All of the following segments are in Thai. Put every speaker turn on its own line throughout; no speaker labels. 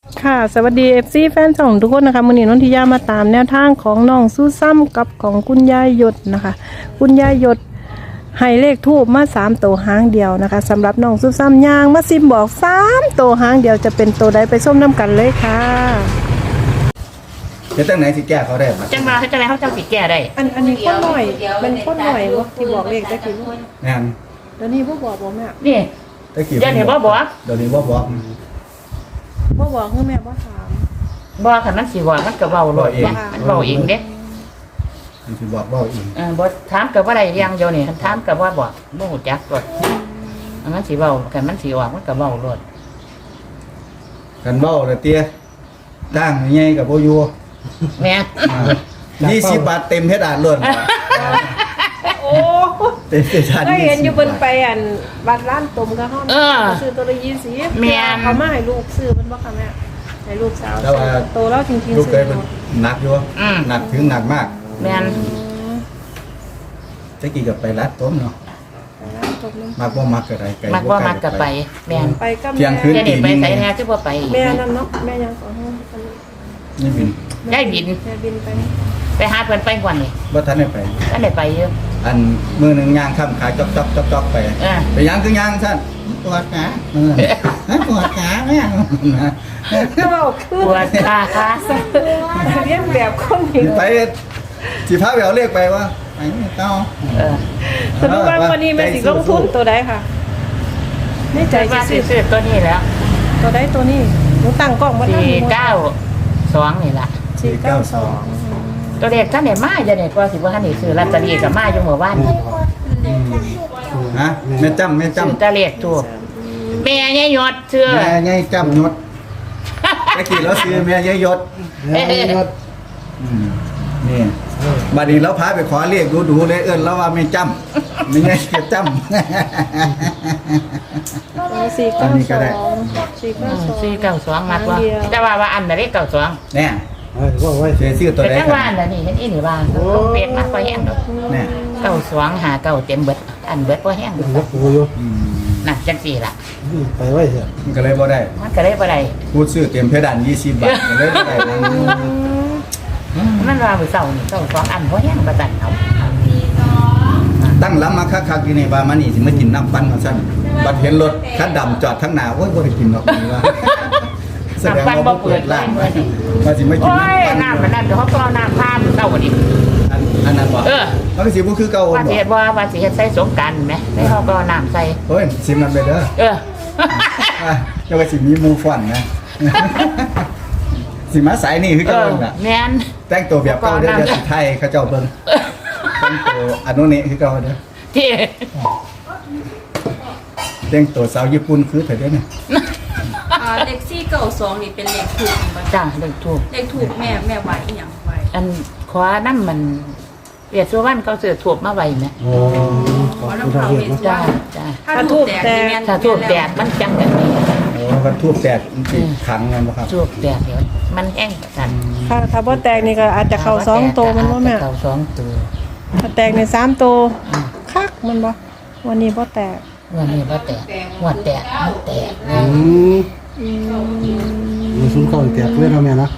ค่ะสวัสดี FC แฟนช่องทุกคนนะคะมื้อนี้นนทิยามาตามแนวทางของน้องสู้ซ้ำกับของคุณยายหยดนะคะคุณยายหยดให้เลขทูบมา3ตัวหางเดียวนะคะสำหรับน้องสู้ซ้ำย่างมาซิมบอก3ตัวหางเดียวจะเป็นตัวใดไปส้มน้ำกันเลยค่ะ
จะตั้งไหนสิแก้เขาได้ปะ
จังมาเขาจังไรเขาจังสิแก้ได้
อันนี้คนหน่อยเป็นคนหน่อยวะที่บอกเลขตะกี้
งาน
เดี๋ยวนี้พ่บอกบ่แม่
นี่
ตะกี้
เดี๋ยวนี้บ่บอก
เดี๋ยวนี้บ่บอก
พ่บอกคือแม่บ่ถาม
บ่คันมันสิว่ามันก็เว้าโลดเนี่ยมันเว้าเองเด้
มันสิบอกบ่อีก
บ่ถามก็บ่ได้อย่างเดียวนี่คันถามก็ว่าบ่ฮู้จักโลดอันมันสิเว้าคันมันสิออกมันก็เว้าโลด
กันเบ้าเลยเตี้ยตั้งใหญ่กับโบอยู
แม่
20 บาทเต็มเพชรอ่านล้วน
โอ้
เต็มเพชรอ่าน
ก็เห็นอยู่บน
20
ไปอันบัตรร้านตมก็ห้องซื้อตัวละ20
แม่น
เขามาให้ลูกซื้อมันบ่ค่ะแม่ให้ลูกสาว
แต่ว่า
โตแล้วจริง
ลูก
ๆ
เค
ซื้
ย
อ
เป็นหนักอยู่หนักถึงหนักมาก
แม่น
ตะกี้กับไปรัดต้มเนาะ
ไปร้านตมน้ำ
มักบ่มักก็ได้ไกล
มักบ่มักก็ไปแม่น
ไปกับ
เที่ยงคืน
เดี๋ยวนี้ไปไสแท้คือบ่ไป
แม่นั่นเนาะแม่ยังขอห้อง
นี่บิน
ได้บิน
แม่บินไป
ไปหาเพิ่นไปก่อนนี่
บ่ทันได้ไป
ท่านได้ไปอยู่
อันมือหนึงย่างข้ามขาจอกไป ไปย่างคือย่างซั่นปวดขาปวดขาแม่
ก็บอกคือ
ปวดขาค่ะ
เรียนแบบคนหญิง
ไปสิพาไปเอาเลขไปว่าไปเต้า
สรุปว่าวันนี้แม่สิลงทุนตัวใดค่ะในใจ
ใจว่า
สิ
สิ
ซื้อ
ซื้อตัวนี้แล้ว
ตัวใดตัวนี้หนูตั้งกล้องบ่ทัน
492นี่ล่ะ
492
ตัวเด็กท่านไหนมาจะเนี่ยก็สิว่าท่านนี่ซื้อลอตเตอรี่กับมาอยู่เมื่อวานนี่
ฮะแม่จำ
ซื้อตะเลขถูกแม่ยายยอดเชื่อ
แม่ยายจำยศตะกี้เราซื้อแม่ยายยศนี่บัดนี้เราพาไปขอเลขดูๆเลยเอิ้นเราว่าแม่จำไม่ใช่แค่จำ อันนี้ก็ได้
492มากกว่าแต่ว่าอันนั้นเลข92
แน่
ก็ไว้
เสียชื่อตัว
แต่
ใด
จังว่าอันนั้นนี่เห็นอีนี่ว่าลงเป็ดมากกว่าแห้งดอก
แน่
92หา9เต็มเบิดอันเบิดบ่แห้ง
เป็นวัดกูอยู่
น่ะจังซี่ล่ะ
ไปไว้เถอะ
มันก็เลยบ่ได้
มันก็เลยบ่ได้
พูดซื้อเต็มเพดาน20 บาทก็เลยบ่ได้
มันว่ามื้อเช้านี่92อันบ่แห้งบ่ตันเอา
ตั้งลำมาคักๆอยู่นี่ว่ามานี่สิมากินน้ำปั่นมาซั่นบัดเห็นรถคันดำจอดทั้งหน้าโอ้ยบ่ได้กินดอกนี่ว่าแสดงว่าบ่เปิดร้านว่าสิมากิน
โอ้ย
น้ำปั่น
น้ำมันนั่นเดี๋ยวเขาก็เอาน้ำพามเต้ากันอีก
อันนั้นบ่มันก็สิบ่คือเก่า
ว่า
บ่
สิเฮ็ดว่าสิเฮ็ดใส่สงกรานต์ไหมได้เขาก็เอาน้ำใส่
โอ้ยซิมมันไปเด้อ
เออ
เจ้าก็สิมีหมู่ฟ้อนนะ สิมาสายนี่คือ
เอ
เก่า
อ
น่ะ
แม่น
แต่งตัวแบบเก่าเด้อเดี๋ยวสิไทยเขาเจ้าเบิ่งแต่งตัวอันนู้นนี่คือเก่าเด้อ
ที่
แต่งตัวสาวญี่ปุ่นคือเถิดเด้อนี่
เลขที่เก่าสองนี่เป็นเลขถูกบ่
จ้าเด็กถูก
เลขถูกแม่ไหวอีหยังไหว
อันขวานั่นมันเปียดสุวรรณเขาเสือถูกมาไว้ไหม
โอ้ขอบคุณทางเฮ็ดเนาะ
จ้าจ้า
ถ้าถูกแตกนี่แม่น
ถ้าถูกแดดมันจังกันนี่
โอ้ก็ทูบแตกมันสิขังกันบ่ครับ
ถูกแดดเดี๋ยวมันแห้งกัน
ค่ะถ้าบ่แตกนี่ก็อาจจะเข้า2ตัวมันบ่แม่
เข้า2ตัว
ถ้าแตกใน3ตัวคักมันบ่วันนี้บ่แตก
วันนี้ว่าแตกหัวแตกมันแตก
มีศูนย์เก่าแตกเลยเนาะแม่นะ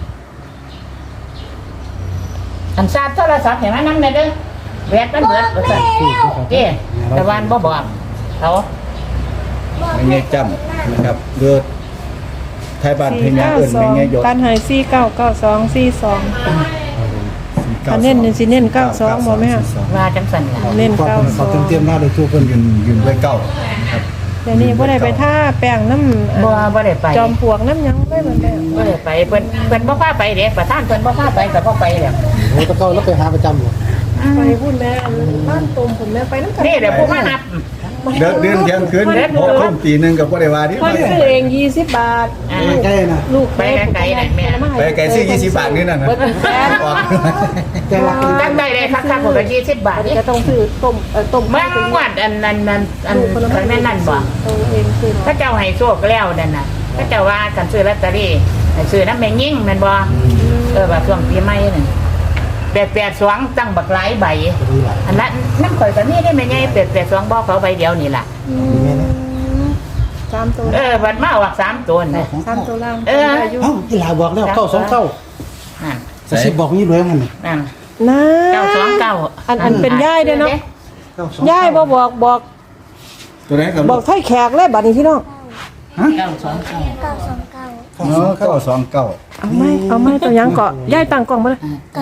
อันซาดโทรศัพท์เห็นไหมนั่นเลยเด้อแวดมันเบิดว่าซั่นเด้แต่วันบ่บอกเขา
ไม่ใช่จำนะครับเลือดไทยบ้านเพญาเอิ้นไม่ใช่ยศ
การให้499242อันเน้นนี่สิเน้น92บ่แม่
ว่าจังสันล่ะ
เน้น
เขาเตรียมหน้าเลยทุกคน
ยืนด้วยเก้าครับ
เดี๋ยวนี้บ่ได้ไปท่าแป้งน้ำ
บ่ได้ไป
จอมปลวกน้ำหยังได้เหมือนกัน
บ่ได้ไปเพิ่นบ่พาไปเด้ประธานเพิ่นบ่พาไปก็บ่ไปแล้ว
โอ้ตะเก้าแล้วไปหาประจำอยู่
ไปพูดแม่บ้านตมผมแม่ไปน้ำกัน
นี่แหละผู้มานับ
เดินเดือนเที่ยงคืน6 ทุ่มตีหนึงกับบ่ได้ว่าที่
คนซื้อเอง20 บาท
ใกล้นะ
ลูก
ไปไกลๆน่ะแม่
ไปไกลซื้อ20 บาทนี่นั่นนะ
เบิดเป็นแสน
ออก
แกรัก
ตั้งได้เลยคักๆผมก็20 บาท
อัน
นี่
นี้ก็ต้องซื้อต้ม
เมื่อวันอันนั่นบ่
ตัวเองซื้อ
พระเจ้าให้โชคแล้วนั่นน่ะพระเจ้าว่ากันซื้อลอตเตอรี่ให้ซื้อนำแม่ยิ่งแม่นบ่ว่าช่วงปีใหม่นั่น882ตั้งบักหลายใบอันนั้นน้ำข่อยก็มีได้แม่ใหญ่882บ่เขาใบเดียวนี่ล่ะ
3ตัว
บัดมาออก3ตัวน่ะ
3ตัวล่าง
เออ
ได้อยู่
เอ้าอีหลาบอกแล้ว929
นั่น
กระซิบบอกนี่รวยมันนี่
นั่น
นะ
929
อันเป็นย่ายเด้อเนาะ
929
ย่ายบ่บอก
ตัวไหนครับ
บอกไทยแขกเลยบัดนี้พี่น้อง
929
อ๋อ929
เอาไหมตัวยังเกาะย่ายตั้งกล้องมาเลย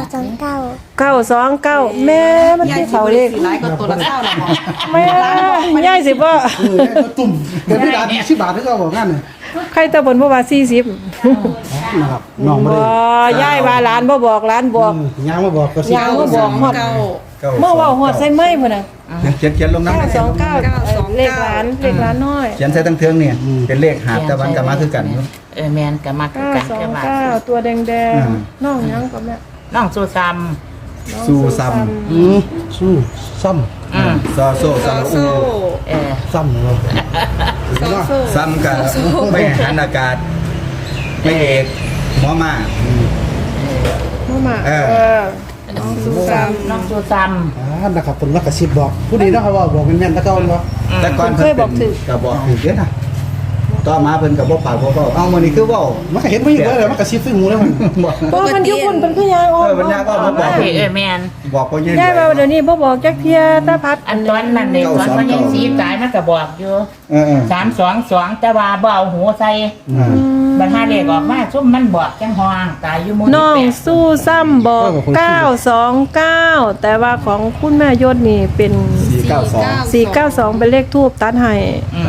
929แม่มันคือเขาเลข
หลายก็ตัวละเท่าละหมอ
แม่ย่ายสิบ่
ก็ตุ่มเดี๋ยวพี่ดา10บาทที่เขาบอกงั้นน่ะ
ใครตะบนบ่ว่า40
นะครับน้องบ่
บ่
ได้
ย่ายว่าหลานบ่บอกหลานบอก
ยางมาบอกก็สิ
ยางมาบอกฮอดเมื่อเว้าฮอดใส่ไม้พุ่นน่ะ
เขียนลงน้ำ
929เลขหลานน้อย
เขียนใส่ทั้งเทืองเนี่ยเป็นเลขหาบแต่วันกลับมาคือกันอยู่
แม่นก็มาคือกันแค่ว่า
929ตัวแดงๆน้องยังก็แม่
น้องสู้ซ้
สู้ซ้
สู้ซ้
ำซอโซซาอู
ำซ้ำเลย
ซ้ำกับไม่หันอากาศไม่เอกหมอมา
มา
เออ
น้องสู้ซ้
ำน้องสู้ซ้
นะครับผมรักกระซิบบอกผู้ดีนะครับว่าบอกเป็นแม่นตะเกาเนาะ
แต่ก่อนเพิ่นเป็นก็บอกถูกเด้อนะต่อมาเพิ่นก็บ่ปากบ่เว้าเอ้ามื้อนี้คือเว้า
มันก็เห็นไม่อยู่เลยมันกระซิบซึ่งหูแล้วมัน
บอก
ำบ่มันอยู่พุ่นเป็นคือยางออก
มันยากว่าบ่บอก
ำแม่น
บอกบ่ยืน
ยายว่าเดี๋ยวนี้บ่บอกจักเที่ยตาพัด
อันตอนนั้นเด็กตอนมันยังสีตายมันก็บอกอยู่
เออ
322แต่ว่าบ่เอาหูใส่บรรหาเลขออกมาซุ่มมันบอกจังห้องตายอยู่หมู่
น้องสู้ซ้ำบอก929แต่ว่าของคุณแม่ยศนี่เป็น 492เป็นเลขทูบตัดให้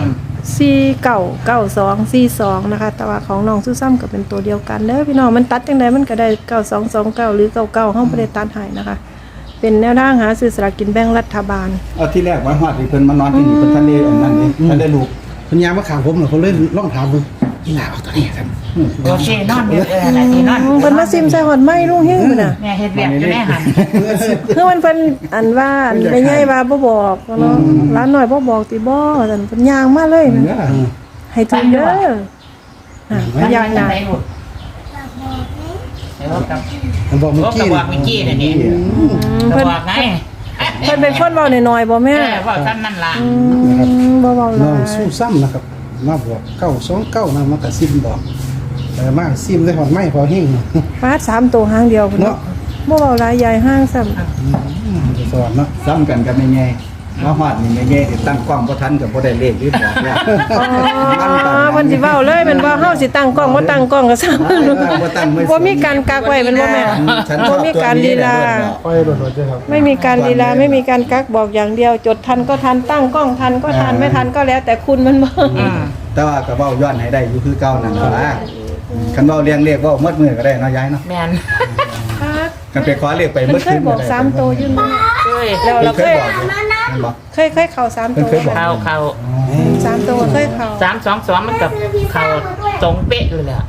499242นะคะแต่ว่าของน้องสู้ซ้ำก็เป็นตัวเดียวกันเด้อพี่น้องมันตัดจังไดมันก็ได้9229หรือ99เฮาบ่ได้ตัดให้นะคะเป็นแนวทางหาซื้อสลากกินแบ่งรัฐบาล
เอาที่แรกว่าฮอดนี่เพิ่นมานอนที่นี่เพิ่นทันได้อันนั้นนี่ทันได้ลูก
คุณยามมาข่าวผมเหรอเขาเล่นล่องถามมึงอีหลาเอาตัวนี้ครับ
โอเคนอนอยู่น่ะที่นอน
เพิ่นมาซิมใส่หอดไม้ลุงเฮงพุ่นน่ะ
แม่เฮ็ดเวียกอยู่ในหัน
คือมันเพิ่นอันว่าอันไม่ใหญ่ว่าบ่บอกเนาะร้านน้อยบ่บอกติบ่ซั่นเพิ่นย่างมาเลยนะให้ถึงเด้อน่ะย่างน่ะ
ไหนลูกเดี๋ยวกับ
มันบอกเมื่อ
ก็
กี้
บอกเมื่อกี้น่ะนี่ก็
เพิ่น
บอกไง
เพิ่นเป็นคนเว้าน้อยๆบ่แม่
บอกท่านนั่นล่ะ
บ่เว้าห
น้
ลา
อง
ย
สู้ซ้ำนะครับมาบอก929นะมันกระซิบบอกแต่มาซิมได้หอดไม้พอเฮง
ฟาด3ตัวหางเดียวพุ่นเนาะบ่เว้าหลายใหญ่ห้างซ้ำ
จะสอนเนาะ
ซ้ำกันกับแม่แง่มาฮอดนี่แม่แง่ที่ตั้งกล้องบ่ทันก็บ่ได้เลขหรือบอกว่า
อ๋อเพิ่นสิเว้าเลยแม่นบ่เฮาสิตั้งกล้องบ่ตั้งกล้องก็ซ้ำ
บ่ตั้งไม่
บ่มีการกักไว้แม่นบ่แม่
ฉันช
บ่
อบ
มี
ตัว
การ
นี้
ลี
แหละ
ลา
ไปโดดๆด้วยครับ
ไม่มีการลีลาไม่มีการกักบอกอย่างเดียว จดทันก็ทันตั้งกล้องทันก็ทันไม่ทันก็แล้วแต่คุณมันบ่
แต่ว่าก็เว้าย้อนให้ได้อยู่คือเก่านั่นล่ะคันเว้าเรียงเลขเว้าหมดมื้อก็ได้เนาะยายเนาะ
แม่น
คัก
กันไปขอเลขไปหม
เพิ่
ด
นเค
คื
ย
น
บอก3โตวยื่นมา
เคย
แล้วเรา
เค
เค
ย
ย
บอกอยู่นั่นบ่
เคยเข้า3โตว
เคยบอก
เขา
3โตวเคยเข้า
322มันกับเขาตรงเป๊ะเลยแหละ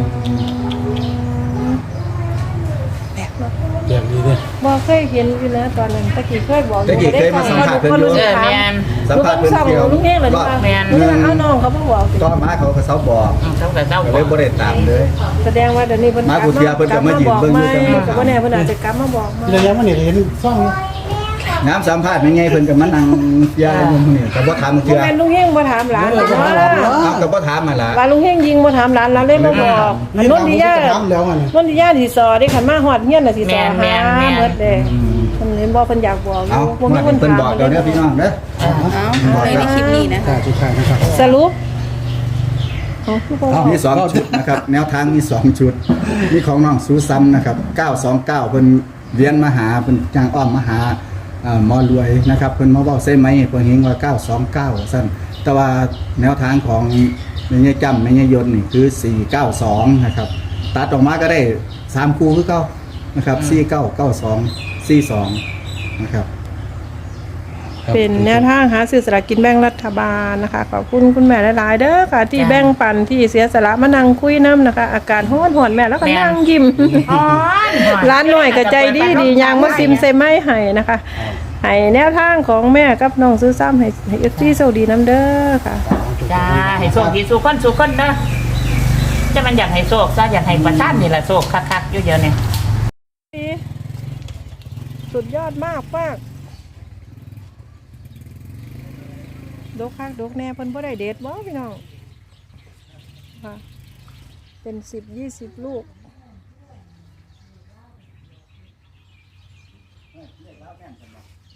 แบบนี้เลย
บ่เคยเห็นอยู่นะตอนนั้นตะกี้เคยบอก
ตะกี้เคยมาสัมภาษณ์เพิ่นอยู่
แม่น
สัมภาษณ์เพิ่นเกี่ยว
ลูกเฮงเลยว่า
แม่น
เอาน้องเขาบ่บอก
ต่อมาเขาก็เซาบอก
เขาก็เจ้า
ก็
บ
เล
อย ก
บ่ได้ตามเลย
แสดงว่าเดี๋ยวนี้เพิ่น
มากูเทียเพิ่นก็มายืนเบิ่งอยู่
ก็บ่แน่เพิ่นอาจจะกลับมาบอกมา
เรื่องมันเนี่ยเห็นซ่อง
น้ำสัมภาษณ์เป็นไงเพิ่นก็มานั่งยาอยู่มื้อนี้ก็บ่ถาม
บ่
เทื่อ
แม่นลุงเฮงบ่ถามหลานหรอกว่า
เอาก็บ่ถามมาล่ะ
ว่าลุงเฮงยิงบ่ถามหลานเราเลยบ่บอกมันนนทิยา
ทำแล้วมัน
นนทิยาสิสอได้คันมาฮอดเฮียนน่ะสิสอหาเบิดเด้เพิ่นเห็นบ่เพิ่นอยากบอกอ
เอา
ยู่บ่มี
มา
คน
เพิ่น
ถาม
บอกเดี๋ยวเด้อพี่น้องเด้อ
เอาในคลิปนี้นะ
ค่ะทุกท่านนะครับ
สรุปอ๋อคือบ่บอก
มี2ชุดนะครับแนวทางมี2ชุดมีของน้องซูซ้ำนะครับ929เพิ่นเวียนมาหาเพิ่นจางอ้อมมาหาหมอรวยนะครับเพิ่นมาเว้าใส่ไม้เพิ่นเห็นว่า929ซั่นแต่ว่าแนวทางของแม่ยายจำแม่ยายยนต์นี่คือ492นะครับตัดออกมาก็ได้3คู่คือเก่านะครับ4992 42นะครับ
เป็นแนวทางหาซื้อสลากกินแบ่งรัฐบาลนะคะขอบคุณคุณแม่หลายๆเด้อค่ะที่แบ่งปันที่เสียสละมานั่งคุยน้ำนะคะ อาการฮ้อนๆแม่แล้วก็นั่งยิ้ม ร้านหน่อยก็ใจดียางมาซิมใส่ไม้ให้นะคะให้แนวทางของแม่กับน้องซื้อซ้ำให้เอฟซีโชคดีน้ำเด้อค่ะ
จ้าให้โชคดีสู่คนเด้อจะมันอยากให้โชคซะอยากให้ประชาชนนี่แหละโชคคักๆอยู่เยอะเนี่ย
สุดยอดมากมากดกคักดกแน่เพิ่นบ่ได้เด็ดบ่พี่น้องค่ะ เป็น10-20 ลูก
เรียกแล้วแม่นจังบ่